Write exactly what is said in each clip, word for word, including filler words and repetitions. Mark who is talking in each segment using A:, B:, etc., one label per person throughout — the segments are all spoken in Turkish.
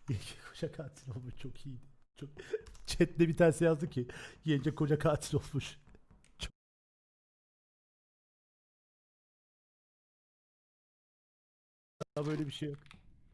A: Yenge koca katil olmuş, çok iyiydi. Çok... Chat'te bir tanesi yazdı ki yenge koca katil olmuş. Çok... Böyle bir şey yok.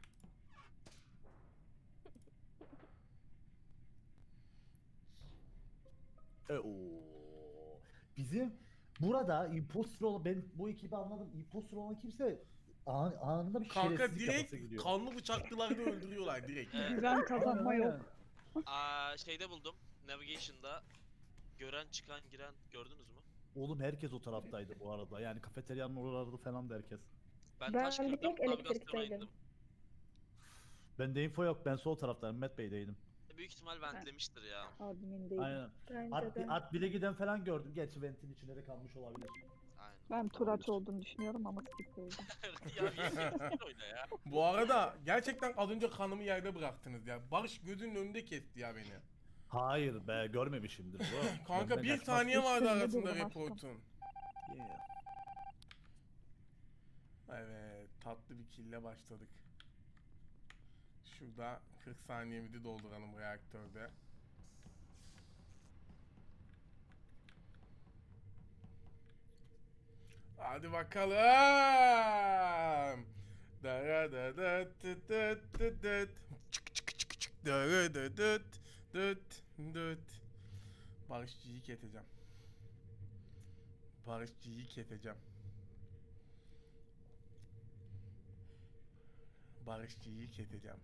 A: E, oo. Bizim burada imposter olan, ben bu ekibi anladım. Imposter olan kimse an, anında bir
B: Kanka
A: şerefsizlik yapası
B: direkt
A: gidiyor.
B: kanlı bıçaklılarda öldürüyorlar direkt yani.
C: Güven
A: Aynen
C: kazanma
A: aynen.
C: yok.
D: Aa şeyde buldum. Navigation'da gören çıkan giren gördünüz mü?
A: Oğlum herkes o taraftaydı bu arada. Yani kafeteryanın oralarda falan da herkes.
D: Ben, taş
E: Ben bir
D: kırdım,
E: tek
D: navigasyona
E: elektrikteydim.
D: indim.
A: Bende info yok. Ben sol taraftayım. Met Bey'deydim.
D: Büyük ihtimal ventlemiştir ya.
C: Admindeydim.
A: Aynen.
E: Bence
A: At,
E: de.
A: at bile giden falan gördüm. Gerçi ventin içinde de kalmış olabilir.
D: Aynen.
C: Ben Turaç
A: Olabilir.
C: olduğunu düşünüyorum ama skip oldu.
D: ya bir oyna ya.
B: Bu arada gerçekten az önce kanımı yerde bıraktınız ya. Barış gözünün önünde kesti ya beni.
A: Hayır be, görmemişimdir bu.
B: Kanka
A: Benden
B: bir
A: kaçmaz.
B: saniye vardı
C: Üstünde
B: arasında
C: durdum aşkım.
B: reportun.
A: Yeah.
B: Evet, tatlı bir kille başladık. Şurada kırk saniyemizi dolduralım reaktörde. Hadi bakalım. Dara da da tıt tıt tıt tıt. Çık çık çık çık. Dara da dıt dıt dıt. Barışçı'yı keteceğim. Barışçı'yı keteceğim. Barışçı'yı keteceğim.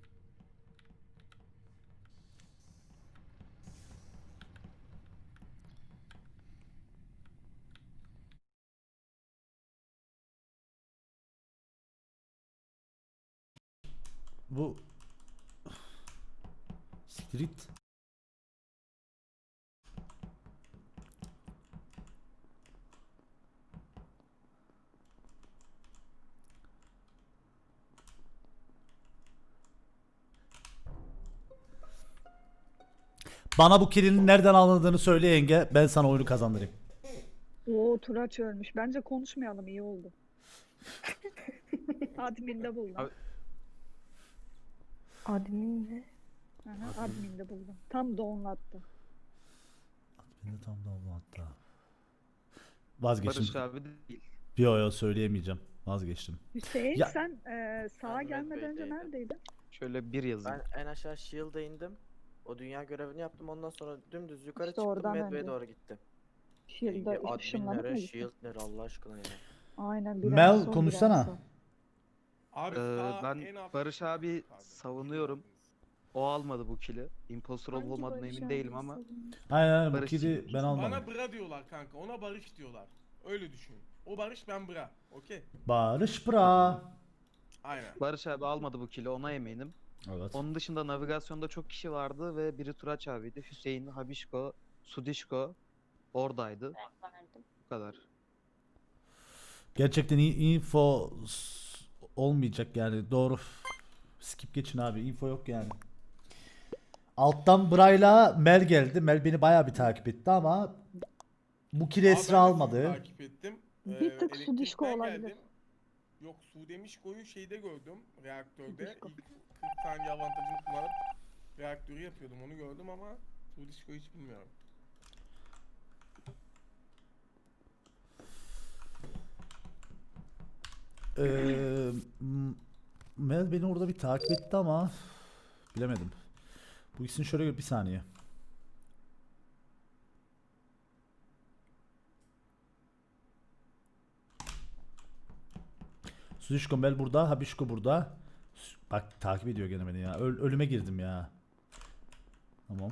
A: Bu Street Bana bu kilinin nereden alındığını söyle yenge. Ben sana oyunu kazandırayım.
C: Oo Turaç ölmüş. Bence konuşmayalım, iyi oldu. Adminde buldum.
F: Abi-
E: Admin mi?
C: Aha, adminde buldum. Tam donlattı.
A: Ben de tam da oldu hatta. Vazgeçtim.
F: Barış abi değil.
A: Yo yo söyleyemeyeceğim. Vazgeçtim.
C: Hüseyin
A: Ya-
C: sen e, sağa
G: Ben
C: gelmeden önce
G: Medbay'deydim.
C: neredeydin?
F: Şöyle bir yazayım.
G: Ben en aşağı Shield'a indim. O dünya görevini yaptım. Ondan sonra dümdüz yukarı
C: İşte
G: çıktım.
C: oradan
G: Medbay'e
C: önce.
G: doğru gittim.
C: Shield'a
G: Yenge,
C: ışınlanıp mı
G: adminlere,
C: gittin?
G: Shield'lere Allah aşkına ya.
C: Aynen. bir
A: Mel,
C: en son, bir
A: konuşsana.
C: en son.
B: Abi
F: Ee,
B: sağ
F: ben
B: en alt-
F: Barış abi
B: Pardon,
F: savunuyorum. O almadı bu kili. Imposter olup olmadığına emin değilim ama.
A: Aynen aynen, bu
F: Barış
A: kili
F: Çiğ-
A: ben almadım.
B: Bana bra diyorlar kanka. Ona Barış diyorlar. Öyle düşün. O Barış, ben bra. Okey.
A: Barış bra.
B: Aynen.
F: Barış abi almadı bu kili, ona eminim.
A: Evet.
F: Onun dışında navigasyonda çok kişi vardı ve biri Turaç abiydi. Hüseyin, Habişko, Sudişko oradaydı. Bu kadar.
A: Gerçekten iyi info s- olmayacak yani, doğru. Skip geçin abi, info yok yani. Alttan Bray'la Mel geldi. Mel beni bayağı bir takip etti ama bu kili
B: Aa,
A: Esra
B: ben de
A: almadı.
B: sizi takip ettim.
C: Bir
B: Ee,
C: tık su
B: elektrikten
C: dişko olabilir.
B: geldim. Yok, su demişkoyu şeyde gördüm. Reaktörde.
C: Dişko.
B: İlk kırk saniye avantajını kullanıp reaktörü yapıyordum. Onu gördüm ama su dişkoyu hiç bilmiyorum.
A: Ee, m- Mel beni orada bir takip etti ama bilemedim. Bu ikisini şöyle gör- bir saniye. Suzişko Mel burada, Habişko burada. Sü- Bak takip ediyor gene beni ya. Öl- ölüme girdim ya. Tamam.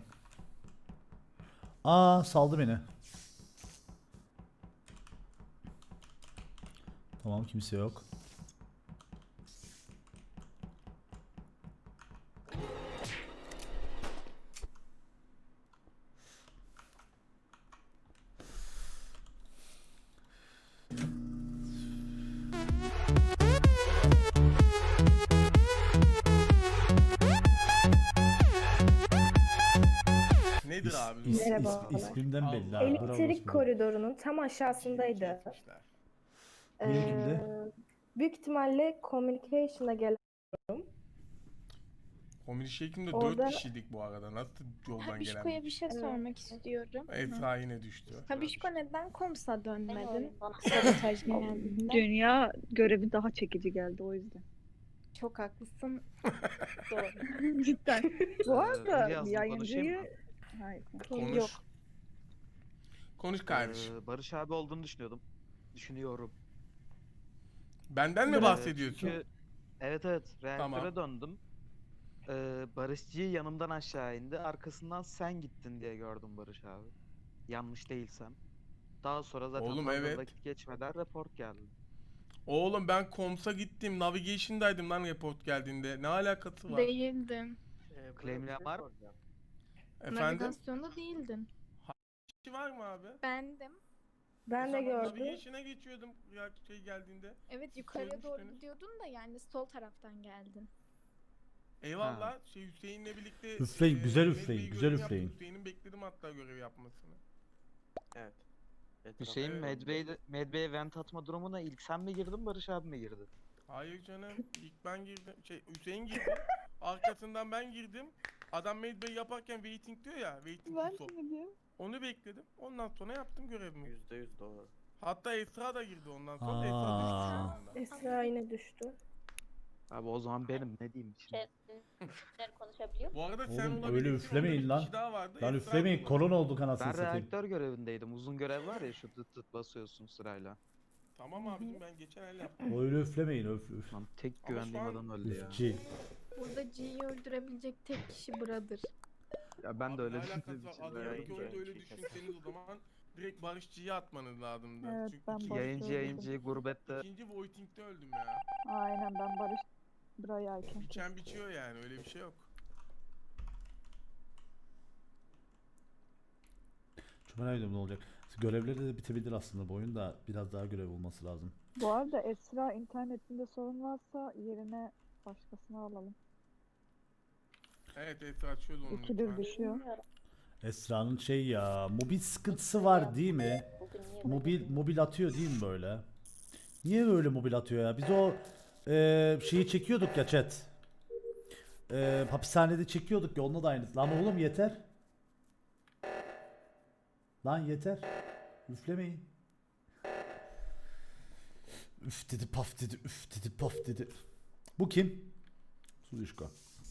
A: Aa, saldı beni. Tamam, kimse yok.
B: Nedir
A: İs-
B: abi? bu?
A: is- is-
E: Merhabalar.
A: ismimden belli
B: Allah.
A: abi. Bravo
E: Elektrik
A: olsun.
E: koridorunun tam aşağısındaydı.
B: Kesmişler.
A: Diğeri
E: Ee,
A: kimdi?
E: büyük ihtimalle communication'a gelen
B: Komünist şeklinde
C: Orada-
B: dört kişiydik bu arada. Nasıl yoldan
H: Habişko'ya
B: gelen?
H: bir şey
C: Evet.
H: sormak istiyorum.
B: Esra yine düştü.
H: Habişko neden Koms'a dönmedin? Sabotaj geldiğinde.
C: Dünya görevi daha çekici geldi o yüzden.
H: Çok haklısın. Doğru.
C: Cidden. Bu
F: Ee,
C: arada
F: Hülya Hanım, konuşayım mı?
C: yayıncıyı... Hayır.
B: Konuş.
H: Yok.
B: Konuş kardeşim.
F: Ee, Barış abi olduğunu düşünüyordum. Düşünüyorum.
B: Benden mi
F: Ee,
B: bahsediyorsun?
F: Çünkü evet evet reaktöre
B: Tamam.
F: döndüm. Ee, Barışçı'yı yanımdan aşağı indi. Arkasından sen gittin diye gördüm Barış abi. Yanlış değilsem. Daha sonra zaten
B: Oğlum,
F: fazla
B: evet.
F: vakit geçmeden report geldi.
B: Oğlum ben Koms'a gittim. Navigation'daydım lan report geldiğinde. Ne alakası var?
H: Değildin.
G: Ee, burada
F: Claimleyen
G: bir
F: var mı?
G: soracağım.
B: Efendim?
H: Navigasyonda değildin.
B: Kişi var mı abi?
H: Bendim.
E: Ben de
B: O zaman
E: gördüm.
B: Navigation'a geçiyordum ya şey geldiğinde.
H: Evet yukarıya doğru
B: Söylemiştiniz.
H: gidiyordun da yani sol taraftan geldin.
B: Eyvallah. Şey Hüseyin'le birlikte
A: Üfleyin,
B: eee,
A: güzel
B: Medbey
A: üfleyin,
B: görevi
A: güzel
B: yaptık.
A: üfleyin.
B: Hüseyin'in bekledim hatta görev yapmasını.
G: Evet. Etrafa
F: Hüseyin
G: evet.
F: Medbay'de Medbay'e vent atma durumuna ilk sen mi girdin Barış abi mi girdi?
B: Hayır canım. İlk ben girdim. Şey Hüseyin girdi. Arkasından ben girdim. Adam Medbey yaparken waiting diyor ya. Waiting to stop. Onu bekledim. Ondan sonra yaptım görevimi.
G: Yüzde yüz doğru.
B: Hatta Esra da girdi ondan sonra da Esra düştü şu
A: Aa.
B: anda.
E: Esra yine düştü.
F: Abi o zaman benim ne diyeyim şimdi?
I: konuşabiliyor.
B: Bu arada sen
A: Oğlum,
B: olabilirsin.
A: öyle
B: orada
A: üflemeyin
B: bir
A: lan.
B: kişi daha vardı.
A: Lan
B: Esra
A: üflemeyin,
B: da
A: kolon olduk anasını
F: Ben
A: satayım.
F: reaktör görevindeydim. Uzun görev var ya şu tıt tıt basıyorsun sırayla.
B: Tamam abicim ben geçen el yaptım.
A: Öyle üflemeyin, öf üf.
F: Lan tek
B: Ama
F: güvendiğim
B: şu an-
F: adam öldü ya.
A: Üfçi.
H: Burada G'yi öldürebilecek tek kişi Brother.
F: Ya ben
B: Abi
F: de öyle
B: ne alakası
F: düşündüğüm
B: var?
F: için.
B: Adı
F: de-
G: Yayıncı,
B: yayıncı oyunda öyle
G: yayıncı
B: düşünseniz o zaman direkt Barışçı'yı atmanız lazımdı.
C: Evet,
B: Çünkü
C: ben
B: ikinci,
C: Barış-
F: Yayıncı yayıncı gurbette.
B: ikinci voting'de öldüm ya.
C: Aynen ben Barış burayı erken
B: Biçen biçiyor yani öyle bir şey yok.
A: Çok merak ediyorum ne olacak. Görevleri de bitebilir aslında bu oyun da biraz daha görev olması lazım.
C: Bu arada Esra internetinde sorun varsa yerine başkasını alalım.
B: Evet Esra açıyordu onu
C: İkidir
B: lütfen.
C: düşüyor.
A: Esra'nın şey ya, mobil sıkıntısı var değil mi? Mobil mobil atıyor değil mi böyle? Niye böyle mobil atıyor ya? Biz o e, şeyi çekiyorduk ya chat. E, hapishanede çekiyorduk ya, onunla da aynısı. Lan oğlum yeter. Lan yeter. Üflemeyin. Üf dedi paf dedi, üf dedi paf dedi. Bu kim? Sudişko.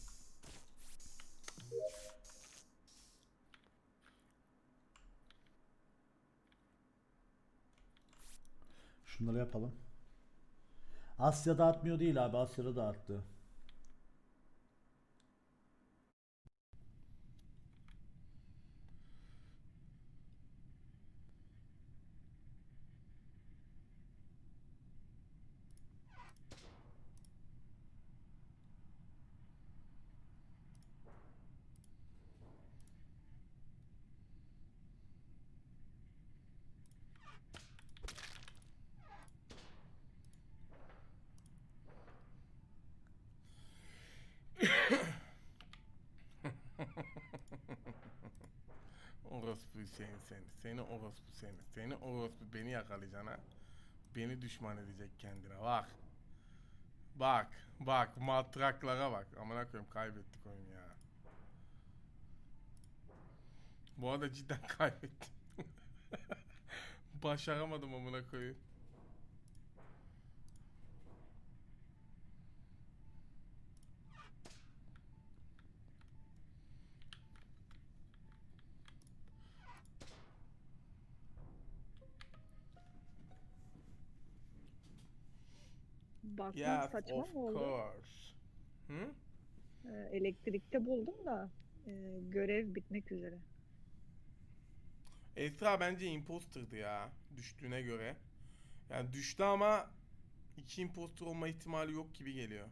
A: Şunları yapalım. Asya dağıtmıyor değil abi, Asya'da dağıttı.
B: Orospu Hüseyin seni. Seni orospu seni. Seni orospu beni yakalayacaksın ha. Beni düşman edecek kendine bak. Bak. Bak. Matraklara bak. Amına koyayım kaybettik oyunu ya. Bu arada cidden kaybettim. Başaramadım amına koyayım.
C: Bakman
B: Yes,
C: saçma
B: of
C: mı oldu?
B: course. Hı?
C: Ee, elektrikte buldum da e, görev bitmek üzere.
B: Esra bence imposter'dı ya düştüğüne göre. Yani düştü ama iki imposter olma ihtimali yok gibi geliyor.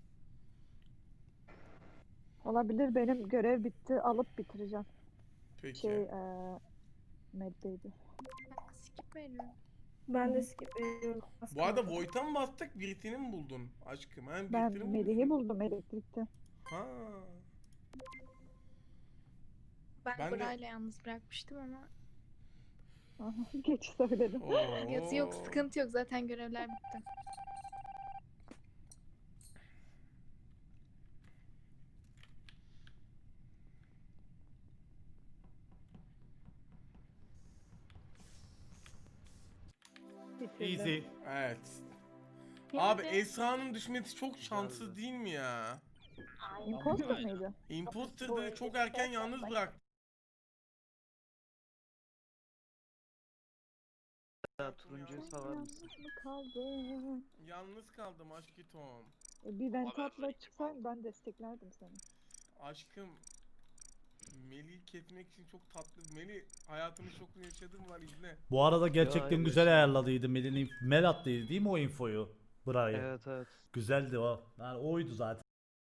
C: Olabilir, benim görev bitti, alıp bitireceğim.
B: Peki.
C: Şey eee Medbay'di.
H: Ben skip veriyorum.
E: Ben de skip veriyorum. Az
B: Bu arada
E: kaldı.
B: Voight'a mı bastık birisini mi buldun aşkım? Hem
C: Ben
B: birisini mi
C: Melih'i
B: bulmuşsun?
C: buldum elektrikte.
B: Ha.
H: Ben,
B: Ben de-
H: Bra'yla yalnız bırakmıştım ama
C: Aha, geç söyledim.
B: Oo.
H: yazı yok, sıkıntı yok, zaten görevler bitti.
E: Bitirdim.
A: Easy.
B: Evet. Abi Esra'nın düşmesi çok şanssız değil mi ya?
C: Imposter mıydı?
B: Imposter'da çok erken yalnız bıraktı.
F: Ya, turuncuyu salar mısın?
C: Yalnız mı kaldın?
B: Yalnız kaldım aşkı Tom.
C: E, Bir vent
D: Haber
C: atla
D: ver, kim
C: çıksaydın ben desteklerdim seni.
B: Aşkım Melih'i kesmek için çok tatlı. Melih hayatını çok yaşadım var izle.
A: Bu arada gerçekten
F: hayır,
A: güzel
F: yaşamadım.
A: ayarladıydı. Mel'in Mel attıydı değil mi o infoyu? Bra'yı.
F: Evet evet.
A: Güzeldi o. Yani oydu zaten.